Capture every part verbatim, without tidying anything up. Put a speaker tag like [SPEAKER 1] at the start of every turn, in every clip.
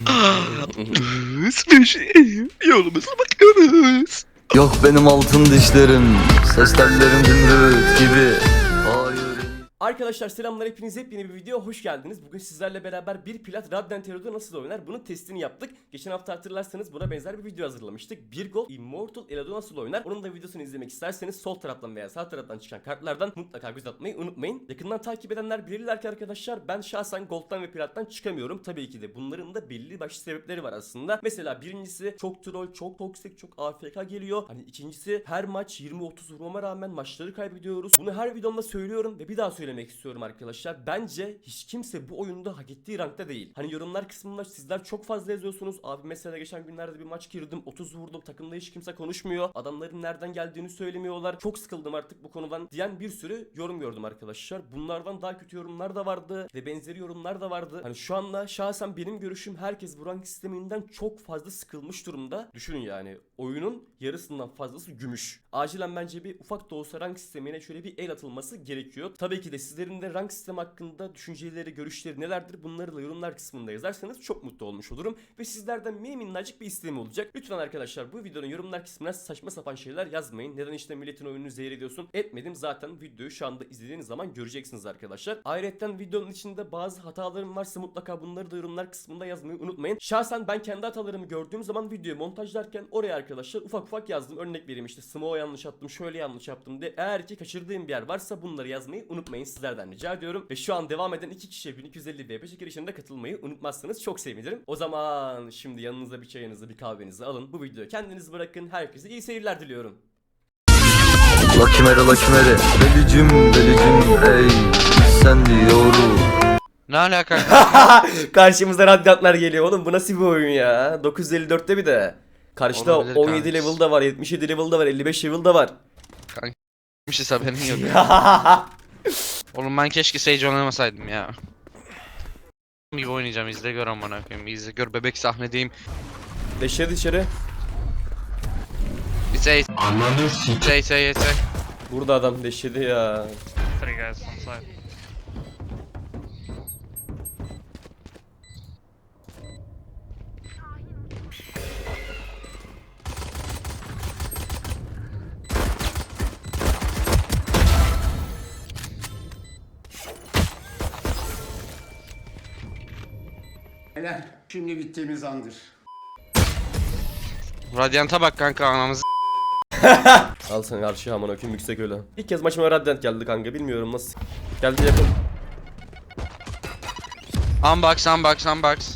[SPEAKER 1] Yolumuza bakıyoruz.
[SPEAKER 2] Yok benim altın dişlerim, ses tellerim zümrüt gibi. Hayır.
[SPEAKER 3] Arkadaşlar selamlar, hepiniz yepyeni bir videoya hoş geldiniz. Bugün sizlerle beraber bir plat Radiant Hero'da nasıl oynar bunun testini yaptık. Geçen hafta hatırlarsanız buna benzer bir video hazırlamıştık. Bir Gold Immortal Elo'da nasıl oynar onun da videosunu izlemek isterseniz sol taraftan veya sağ taraftan çıkan kartlardan mutlaka göz atmayı unutmayın. Yakından takip edenler bilirler ki arkadaşlar ben şahsen Gold'dan ve Plat'tan çıkamıyorum. Tabii ki de bunların da belli başlı sebepleri var aslında. Mesela birincisi çok troll, çok toksik, çok A F K geliyor. Hani ikincisi her maç yirmi otuz vurmama rağmen maçları kaybediyoruz. Bunu her videomda söylüyorum ve bir daha söylemek istiyorum arkadaşlar. Bence hiç kimse bu oyunda hak ettiği rankta değil. Hani yorumlar kısmında sizler çok fazla yazıyorsunuz. Abi mesela geçen günlerde bir maç girdim, otuz vurdum, takımda hiç kimse konuşmuyor. Adamların nereden geldiğini söylemiyorlar. Çok sıkıldım artık bu konudan diyen bir sürü yorum gördüm arkadaşlar. Bunlardan daha kötü yorumlar da vardı ve benzeri yorumlar da vardı. Hani şu anda şahsen benim görüşüm herkes bu rank sisteminden çok fazla sıkılmış durumda. Düşünün yani oyunun yarısından fazlası gümüş. Acilen bence bir ufak da olsa rank sistemine şöyle bir el atılması gerekiyor. Tabii ki de sizlerin de rank sistemi hakkında düşünceleri, görüşleri nelerdir bunları da yorumlar kısmında yazarsanız çok mutlu olmuş olurum. Ve sizlerden mini minnacık bir isteğim olacak. Lütfen arkadaşlar bu videonun yorumlar kısmına saçma sapan şeyler yazmayın. Neden işte milletin oyununu zehir ediyorsun? Etmedim, zaten videoyu şu anda izlediğiniz zaman göreceksiniz arkadaşlar. Ayrıca videonun içinde bazı hatalarım varsa mutlaka bunları da yorumlar kısmında yazmayı unutmayın. Şahsen ben kendi hatalarımı gördüğüm zaman videoyu montajlarken oraya arkadaşlar ufak ufak yazdım. Örnek vereyim, işte smoke yanlış attım, şöyle yanlış yaptım diye. Eğer ki kaçırdığım bir yer varsa bunları yazmayı unutmayın, sizlerden rica ediyorum. Ve şu an devam eden iki kişiye bin iki yüz elli V P çekilişinde katılmayı unutmazsanız çok sevinirim. O zaman şimdi yanınıza bir çayınızı, bir kahvenizi alın. Bu videoyu kendiniz bırakın. Herkese iyi seyirler diliyorum.
[SPEAKER 2] Lucky Mary, Lucky Mary, belicim, belicim, ey sen diyorum.
[SPEAKER 4] Ne alaka?
[SPEAKER 3] Karşımıza radyantlar geliyor oğlum, bu nasıl bir oyun ya? dokuz yüz elli dörtte bir de. Karşıda
[SPEAKER 4] Olabilir
[SPEAKER 3] on yedi
[SPEAKER 4] kanka.
[SPEAKER 3] level da var, yetmiş yedi level da var, elli beş level da var.
[SPEAKER 4] Bir şey haberin yok. Oğlum ben keşke Sage oynamasaydım ya. Gibi oynayacağım, izle gör amına koyayım. İzle gör, bebek sahnedeyim.
[SPEAKER 3] Deşeri dışarı.
[SPEAKER 4] Bir Sage. Ananı s***. Sage Sage Sage.
[SPEAKER 3] Burada adam deşedi ya.
[SPEAKER 5] Three guys on side.
[SPEAKER 6] Helal. Şimdi bittiğimiz andır.
[SPEAKER 4] Radyanta bak kanka, anamızı.
[SPEAKER 3] Al sen karşı aman okuyum yüksek öyle. İlk kez maçıma Radiant geldi kanka, bilmiyorum nasıl. Geldi yakın.
[SPEAKER 4] Unbox unbox unbox.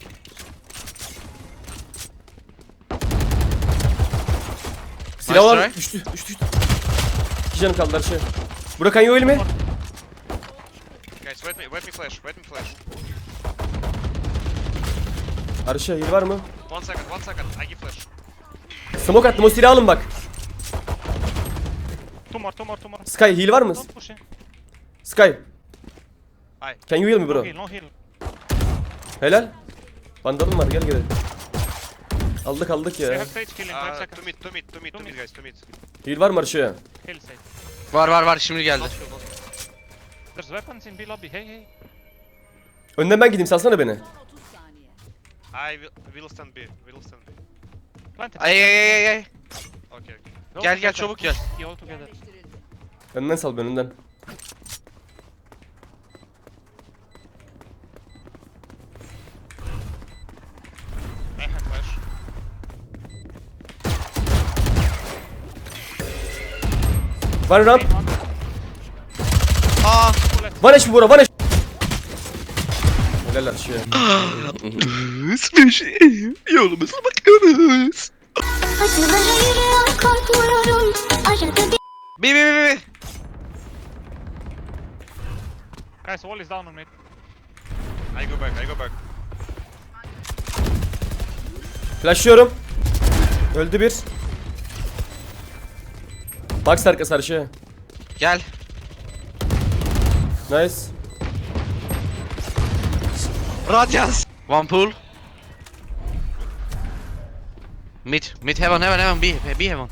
[SPEAKER 3] Silah var.
[SPEAKER 4] try.
[SPEAKER 3] Düştü, düştü, düştü. İki canım kaldı her şey. Bırakan yok elimi.
[SPEAKER 5] Guys, wait me, wait me flash, wait me flash.
[SPEAKER 3] Arşa heal var mı?
[SPEAKER 5] One second, one second, I give flash.
[SPEAKER 3] Smoke attım, o silahı alın bak.
[SPEAKER 5] Two more, two more, two more.
[SPEAKER 3] Sky heal var mı?
[SPEAKER 5] Don't push in.
[SPEAKER 3] Sky.
[SPEAKER 5] Hi.
[SPEAKER 3] Can you heal me
[SPEAKER 5] No
[SPEAKER 3] bro?
[SPEAKER 5] heal, no heal.
[SPEAKER 3] Helal. Vandalım var, gel gel. Aldık aldık
[SPEAKER 5] We
[SPEAKER 3] ya.
[SPEAKER 5] have Sage heal in five
[SPEAKER 7] Uh,
[SPEAKER 5] seconds.
[SPEAKER 7] two mid, two mid, two mid, two mid, guys, two mid.
[SPEAKER 3] Heal var mı Arşa?
[SPEAKER 5] Heal Sage.
[SPEAKER 4] Var var var, şimdi geldi.
[SPEAKER 7] Last field, last field.
[SPEAKER 5] There's weapons in B lobby, hey hey.
[SPEAKER 3] Önden ben gideyim, salsana beni.
[SPEAKER 7] I will, will stand B, will stand B.
[SPEAKER 5] Plant it.
[SPEAKER 4] Ay ay ay ay.
[SPEAKER 7] Okay, okay.
[SPEAKER 5] Go
[SPEAKER 4] Gel gel
[SPEAKER 5] together.
[SPEAKER 4] çabuk gel.
[SPEAKER 5] You all together.
[SPEAKER 3] Önden sal ben önden.
[SPEAKER 7] I have flash.
[SPEAKER 3] One round.
[SPEAKER 4] Aa.
[SPEAKER 3] One eş mi bura, one eş. Helal Arşa.
[SPEAKER 1] Yolumuza bakıyoruz.
[SPEAKER 8] Acılara yürüyorum, korkmuyorum. Arada bir
[SPEAKER 4] Bi bi bi bi.
[SPEAKER 5] Guys, wall is down on mid.
[SPEAKER 7] I go back, I go back.
[SPEAKER 3] Flashlıyorum. Öldü bir. Box arkası Arşa.
[SPEAKER 4] Gel.
[SPEAKER 3] Nice.
[SPEAKER 4] Radyans. One pool. Mid, mid heaven heaven heaven B, B heaven.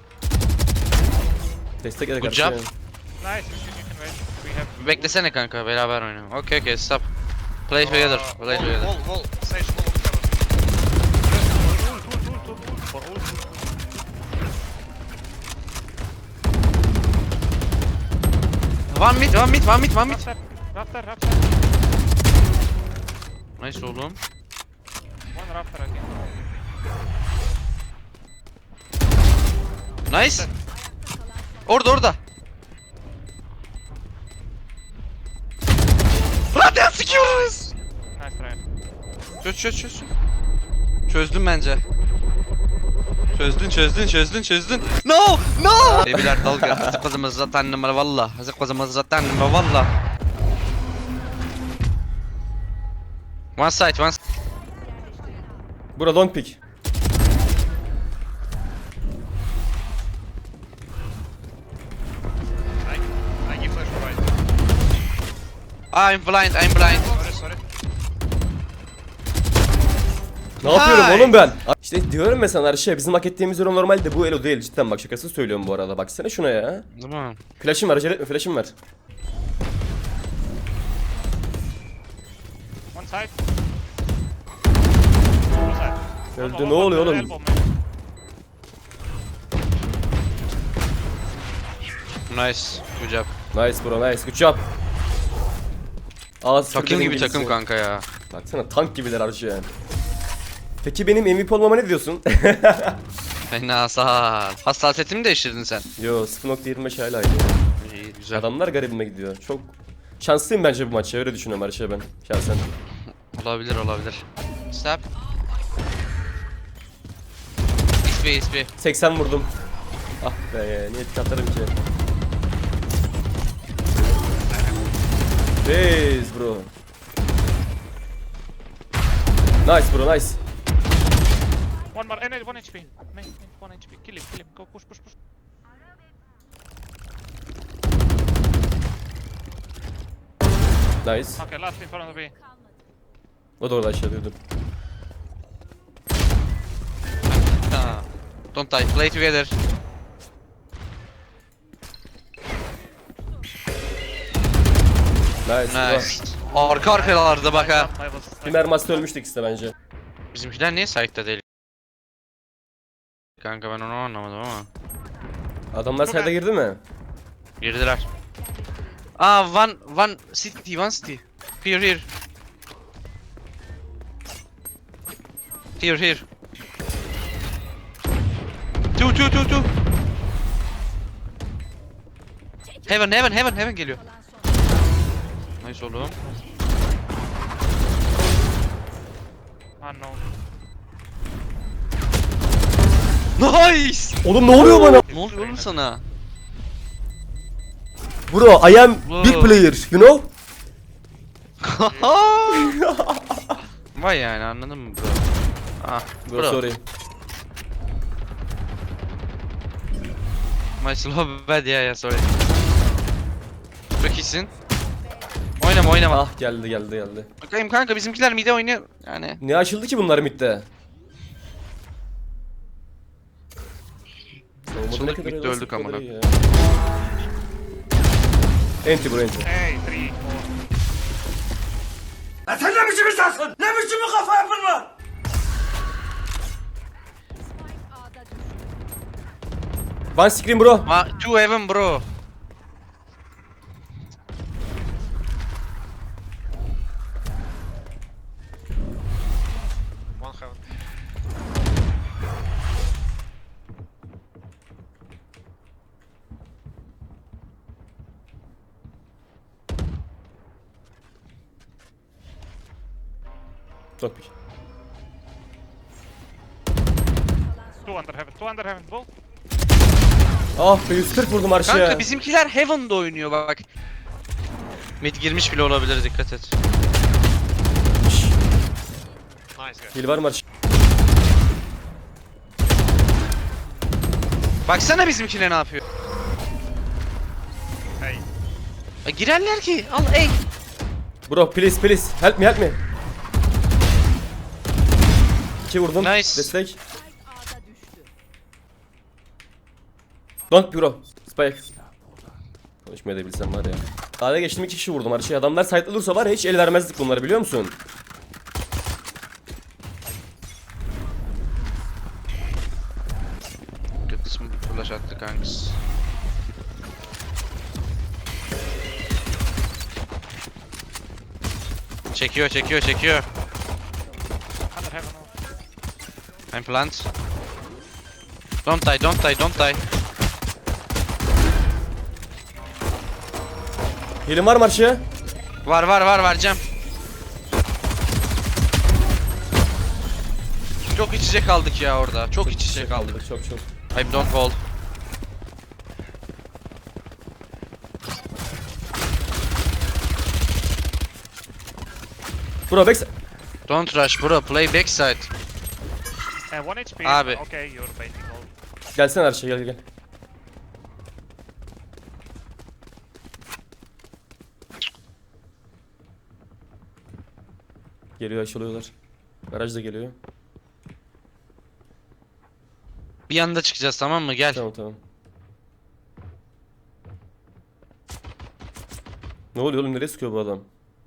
[SPEAKER 3] Destek edek
[SPEAKER 4] Good
[SPEAKER 3] Arşa.
[SPEAKER 4] job.
[SPEAKER 5] Nice, you can, you can wait. We have...
[SPEAKER 4] Beklesene kanka, beraber oynayalım. Okay okay, stop. Play together, play
[SPEAKER 7] wall,
[SPEAKER 4] together.
[SPEAKER 7] wall, wall, Sage, wall, on heaven.
[SPEAKER 4] One mid, one mid, one mid, one mid.
[SPEAKER 5] Rafter, rafter, rafter.
[SPEAKER 4] Nice oğlum.
[SPEAKER 5] One rafter again.
[SPEAKER 4] Nice. Orada orada. Radyan sikiyoruz.
[SPEAKER 5] Nice try.
[SPEAKER 4] Çöz çöz çöz. Çözdüm bence. Çözdün çözdün çözdün çözdün. No no. Debiler dalga. Hazık kızımız zaten numara valla. Hazık kızımız zaten numara valla. One side one side.
[SPEAKER 3] Bura long pick.
[SPEAKER 7] I, I give flash right.
[SPEAKER 4] I'm blind I'm blind.
[SPEAKER 7] Sorry, sorry.
[SPEAKER 3] Ne yapıyorum
[SPEAKER 4] Hay.
[SPEAKER 3] oğlum ben? İşte diyorum ya sana Arşe, bizim hak ettiğimiz yorum normalde bu elo değil, cidden bak, şakasız söylüyorum bu arada, baksana şuna ya.
[SPEAKER 4] Değil mi?
[SPEAKER 3] Flash'ım var, acele etme, flash'ım var.
[SPEAKER 5] One side. One side.
[SPEAKER 3] Öldü,
[SPEAKER 5] One-
[SPEAKER 3] ne
[SPEAKER 5] one-
[SPEAKER 3] oluyor
[SPEAKER 5] one
[SPEAKER 3] oğlum?
[SPEAKER 5] elbow, man.
[SPEAKER 4] Nice. Good job.
[SPEAKER 3] Nice bro, nice, good job. Ağız
[SPEAKER 4] Takım
[SPEAKER 3] fırladı
[SPEAKER 4] gibi
[SPEAKER 3] İngilizce.
[SPEAKER 4] takım kanka ya.
[SPEAKER 3] Baksana tank gibiler Arşe yani. Peki benim M V P olmama ne diyorsun?
[SPEAKER 4] Fena sağ. Hassasiyetimi değiştirdin sen.
[SPEAKER 3] Yo, sıfır nokta yirmi beş hala aynı.
[SPEAKER 4] İyi güzel.
[SPEAKER 3] Adamlar garibime gidiyor. Çok şanslıyım bence bu maçta, öyle düşünüyorum Arşe ben şahsen.
[SPEAKER 4] Olabilir olabilir. Stop. X P X P.
[SPEAKER 3] seksen vurdum. Ah be, niye tık atarım ki? Base bro. Nice bro, nice.
[SPEAKER 5] One more, eh, one H P. Main, main, one H P. Kill him, kill him. Go push, push, push.
[SPEAKER 3] Nice.
[SPEAKER 5] Okay, last in front of me.
[SPEAKER 3] O da orada aşağı duydum.
[SPEAKER 4] Ha. Don't die. Play together.
[SPEAKER 3] Nice. bro.
[SPEAKER 4] Nice. Arka arkalarda bak ha.
[SPEAKER 5] I was.
[SPEAKER 3] Bir mermasta ölmüştük ikisi de bence.
[SPEAKER 4] Bizimkiler niye site'da değil? Kanka ben onu anlamadım ama.
[SPEAKER 3] Adamlar sayda girdi mi?
[SPEAKER 4] Girdiler. Aa one one city one city. Here here. Here here. Two two two two. Heaven heaven heaven heaven geliyor. Nice oğlum.
[SPEAKER 5] Unknown.
[SPEAKER 4] Nice.
[SPEAKER 3] Oğlum ne oluyor bana?
[SPEAKER 4] Ne oluyor oğlum sana?
[SPEAKER 3] Bro, I am
[SPEAKER 4] Bro.
[SPEAKER 3] big player, you know?
[SPEAKER 4] Vay yani anladın mı bro? Ah
[SPEAKER 3] Bro,
[SPEAKER 4] bro.
[SPEAKER 3] sorry.
[SPEAKER 4] My slow bad ya ya sorry. Çok iyisin. Oynama oynama.
[SPEAKER 3] Ah geldi geldi geldi.
[SPEAKER 4] Bakayım kanka bizimkiler mide oynuyor yani.
[SPEAKER 3] Ne açıldı ki bunlar midde?
[SPEAKER 4] Açıldık, midde öldük amına.
[SPEAKER 3] Enti bro, enti.
[SPEAKER 5] Hey, three, four.
[SPEAKER 3] One screen bro.
[SPEAKER 4] Ma two heaven bro.
[SPEAKER 7] One heaven.
[SPEAKER 3] Çok pick.
[SPEAKER 5] Two under heaven, two under heaven. Both.
[SPEAKER 3] Ah be, yüz kırk vurdum arşaya.
[SPEAKER 4] Kanka bizimkiler heaven'da oynuyor bak. Mid girmiş bile olabilir dikkat et.
[SPEAKER 7] Nice guy.
[SPEAKER 3] Hil var mı arş?
[SPEAKER 4] Baksana bizimkiler ne yapıyor.
[SPEAKER 7] Hey.
[SPEAKER 4] Ya girerler ki. Al ey.
[SPEAKER 3] Bro please please help me help me. İki vurdum.
[SPEAKER 4] Nice.
[SPEAKER 3] Destek. Don't bro. Spike. Konuşmayı da bilsem var ya. A'ya geçtim, iki kişi vurdum arşaya. Adamlar site'lı dursa var ya, hiç el vermezdik bunları, biliyor musun?
[SPEAKER 4] Kısmı flash attı kanks. Çekiyor, çekiyor, çekiyor.
[SPEAKER 5] Under heaven.
[SPEAKER 4] I'm plant. Don't die, don't die, don't die.
[SPEAKER 3] Healing var mı Arşı'ya?
[SPEAKER 4] Var var var vereceğim. Çok iç içe kaldık ya orada. Çok iç içe kaldık.
[SPEAKER 3] Çok çok.
[SPEAKER 4] I'm don't hold.
[SPEAKER 3] Bro back.
[SPEAKER 4] Don't rush bro, play backside.
[SPEAKER 5] And one H P.
[SPEAKER 4] Abi.
[SPEAKER 5] Okay, you're baiting all.
[SPEAKER 3] Gelsene Arşı, gel gel. Geliyor, aşılıyorlar. Garaj da geliyor.
[SPEAKER 4] Bir anda çıkacağız, tamam mı? Gel.
[SPEAKER 3] Tamam tamam. Ne oluyor oğlum, nereye sıkıyor bu adam?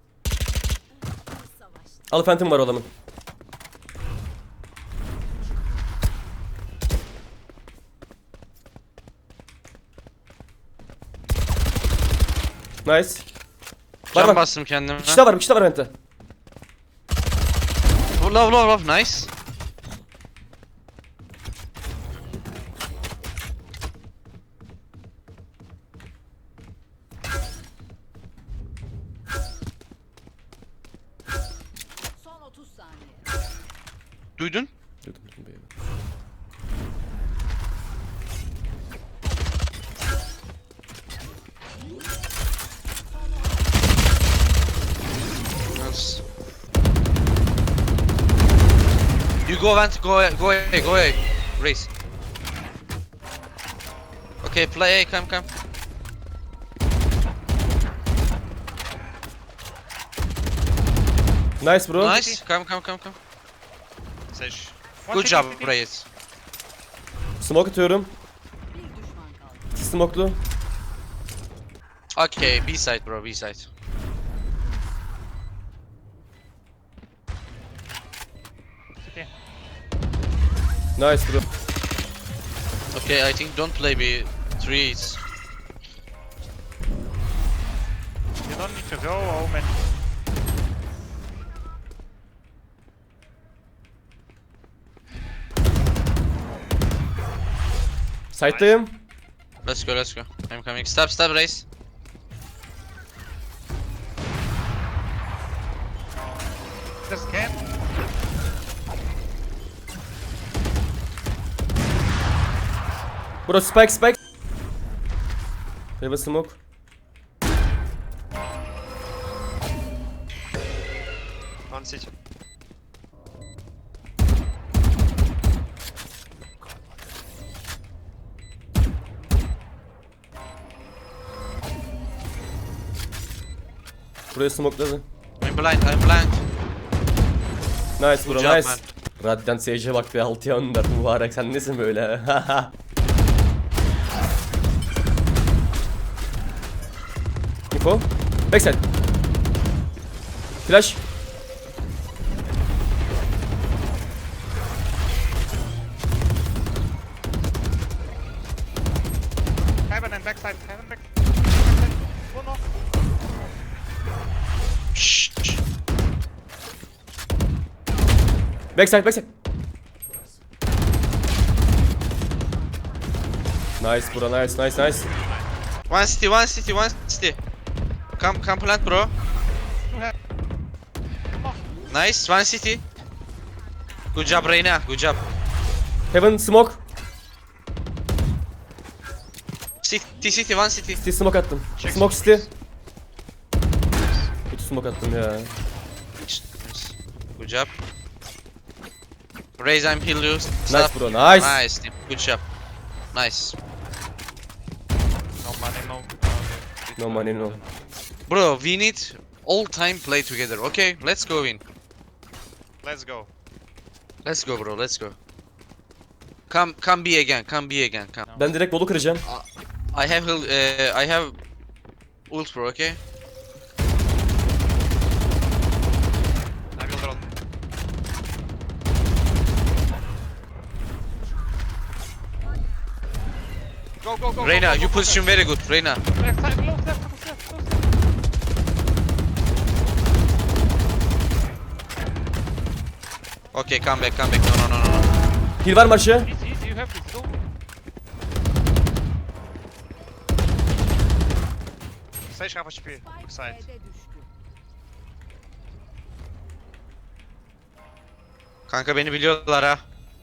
[SPEAKER 3] Al Phantom var o adamın. Nice. Var
[SPEAKER 4] Can
[SPEAKER 3] var.
[SPEAKER 4] bastım kendime.
[SPEAKER 3] Bir kişi daha var, bir kişi daha var Vent'te.
[SPEAKER 4] Love love love, nice.
[SPEAKER 9] Son otuz saniye.
[SPEAKER 4] Duydun?
[SPEAKER 3] Duydum, duydum, beyler.
[SPEAKER 4] Nice. You go vent, go go away, go away. Race. Okay, play A, come come.
[SPEAKER 3] Nice bro.
[SPEAKER 4] Nice, come come come come.
[SPEAKER 7] Sage.
[SPEAKER 5] One
[SPEAKER 4] Good
[SPEAKER 5] city,
[SPEAKER 4] job,
[SPEAKER 5] city.
[SPEAKER 4] Reyes.
[SPEAKER 3] Smoke atıyorum.
[SPEAKER 9] Bir düşman kaldı.
[SPEAKER 3] Smoke'lu.
[SPEAKER 4] Okay, B side bro, B side.
[SPEAKER 5] City.
[SPEAKER 3] Nice bro.
[SPEAKER 4] Okay, I think don't play B threes.
[SPEAKER 5] You don't need to go, Omen.
[SPEAKER 3] Side'dayım.
[SPEAKER 4] Let's go, let's go. I'm coming. Stop, stop, Race.
[SPEAKER 5] Just can.
[SPEAKER 3] Bro spike spike. Have a smoke.
[SPEAKER 7] One city.
[SPEAKER 3] Buraya smokeladı.
[SPEAKER 4] I'm blind, I'm blind.
[SPEAKER 3] Nice bro,
[SPEAKER 4] Good job,
[SPEAKER 3] nice.
[SPEAKER 4] man.
[SPEAKER 3] Radiant Sage'e bak be, altıya önder mübarek, sen nesin böyle? Info. Backside. Flash.
[SPEAKER 5] Heaven and backside. Heaven back. One more.
[SPEAKER 4] Shh. shh.
[SPEAKER 3] Backside, backside. Nice bro, nice, nice, nice.
[SPEAKER 4] One city, one city, one city. Come, come plant, bro.
[SPEAKER 5] Two heaven.
[SPEAKER 4] Nice, one city. Good job, Reyna. Good job.
[SPEAKER 3] Heaven smoke.
[SPEAKER 4] City, city, one city.
[SPEAKER 3] City smoke attım.
[SPEAKER 7] Check
[SPEAKER 3] Smoke
[SPEAKER 7] city,
[SPEAKER 3] city. Kötü smoke attım ya.
[SPEAKER 4] Good job. Raise, I'm heal you.
[SPEAKER 3] Nice
[SPEAKER 4] Stop.
[SPEAKER 3] bro, nice.
[SPEAKER 4] Nice, team. Good job. Nice.
[SPEAKER 5] No money, no.
[SPEAKER 3] No money, no.
[SPEAKER 4] Bro, we need all time play together, okay? Let's go in.
[SPEAKER 7] Let's go.
[SPEAKER 4] Let's go, bro. Let's go. Come, come B again. Come B again. Come.
[SPEAKER 3] Ben direkt bolu kıracağım.
[SPEAKER 4] I have heal. Uh, I have ult, bro. Okay.
[SPEAKER 7] I will drone. Go, go, go.
[SPEAKER 4] Reyna,
[SPEAKER 7] go, go,
[SPEAKER 4] you
[SPEAKER 7] go,
[SPEAKER 4] position very good. Reyna.
[SPEAKER 5] Backside, close left, close left, close left.
[SPEAKER 4] Okay, come back, come back. No, no, no, no.
[SPEAKER 3] Heal var mı aşağı?
[SPEAKER 5] Easy, easy, you have this. Go.
[SPEAKER 7] Sage half H P. Side.
[SPEAKER 9] B'de düştü.
[SPEAKER 4] Kanka beni biliyorlar ha.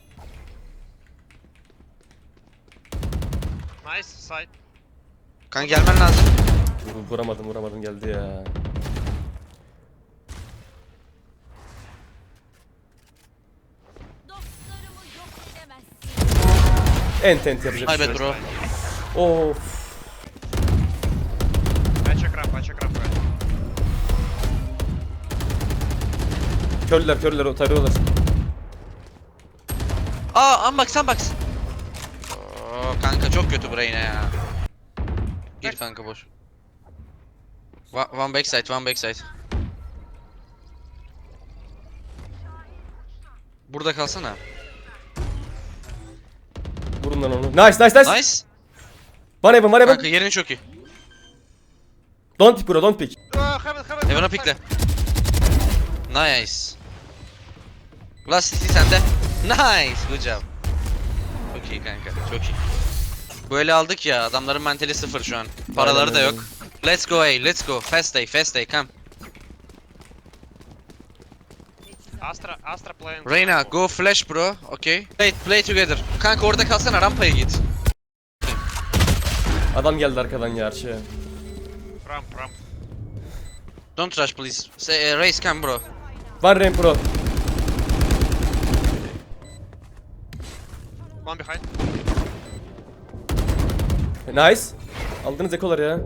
[SPEAKER 7] Nice side.
[SPEAKER 4] Kanka gelmen lazım.
[SPEAKER 3] Vur- Vuramadım vuramadım geldi ya.
[SPEAKER 8] Dostlarımı yok edemezsin.
[SPEAKER 3] Ent ent yapacak bir
[SPEAKER 4] Ay
[SPEAKER 3] şey
[SPEAKER 4] be
[SPEAKER 3] yok.
[SPEAKER 4] bro.
[SPEAKER 3] Of.
[SPEAKER 7] I check ramp, I check ramp right.
[SPEAKER 3] Körler körler o tarıyorlar.
[SPEAKER 4] Aa, unbox, unbox. Oo, kanka çok kötü buraya yine ya. Gir kanka boş. One, one backside, one backside. Burada kalsana.
[SPEAKER 3] Vurun lan onu. Nice nice nice.
[SPEAKER 4] Nice.
[SPEAKER 3] One heaven one heaven.
[SPEAKER 4] Kanka yerin çok iyi.
[SPEAKER 3] Don't pick bro don't pick.
[SPEAKER 7] Uh, heaven, heaven.
[SPEAKER 4] Heaven'a pikle. Nice. Last city sende. Nice, good job. Çok iyi kanka, çok iyi. Böyle aldık ya, adamların mentali sıfır şu an. Paraları
[SPEAKER 3] Aynen
[SPEAKER 4] da
[SPEAKER 3] öyle.
[SPEAKER 4] yok. Let's go A, let's go. Fast day, fast day, come.
[SPEAKER 7] Astra, Astra playing.
[SPEAKER 4] Reyna, go flash bro, okay. Play, play together. Kanka orada kalsana, rampaya git.
[SPEAKER 3] Adam geldi arkadan ya arşaya.
[SPEAKER 7] Ramp, ramp.
[SPEAKER 4] Don't rush please. Say, uh, race come bro.
[SPEAKER 3] One ramp bro.
[SPEAKER 7] One behind.
[SPEAKER 3] Nice. Aldınız ekolar ya.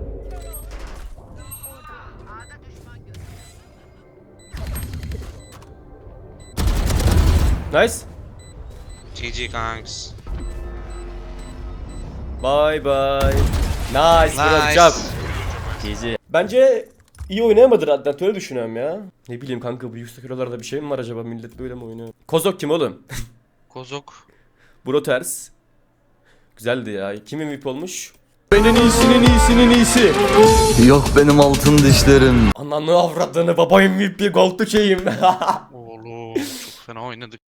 [SPEAKER 3] Nice.
[SPEAKER 4] G G kanks.
[SPEAKER 3] Bye bye. Nice, bro.
[SPEAKER 4] Nice.
[SPEAKER 3] Job. G G. Bence iyi oynayamadı Radnet öyle düşünüyorum ya. Ne bileyim kanka bu yüksek eurolarda bir şey mi var acaba, millet böyle mi oynuyor? Kozok kim oğlum?
[SPEAKER 4] Kozok.
[SPEAKER 3] Bro ters. Güzeldi ya. Kim M V P olmuş?
[SPEAKER 2] Benim iyisinin iyisinin iyisi. Yok benim altın dişlerim.
[SPEAKER 3] Ananı avradını baba M V P gold şeyim.
[SPEAKER 4] Oğlum çok fena oynadık.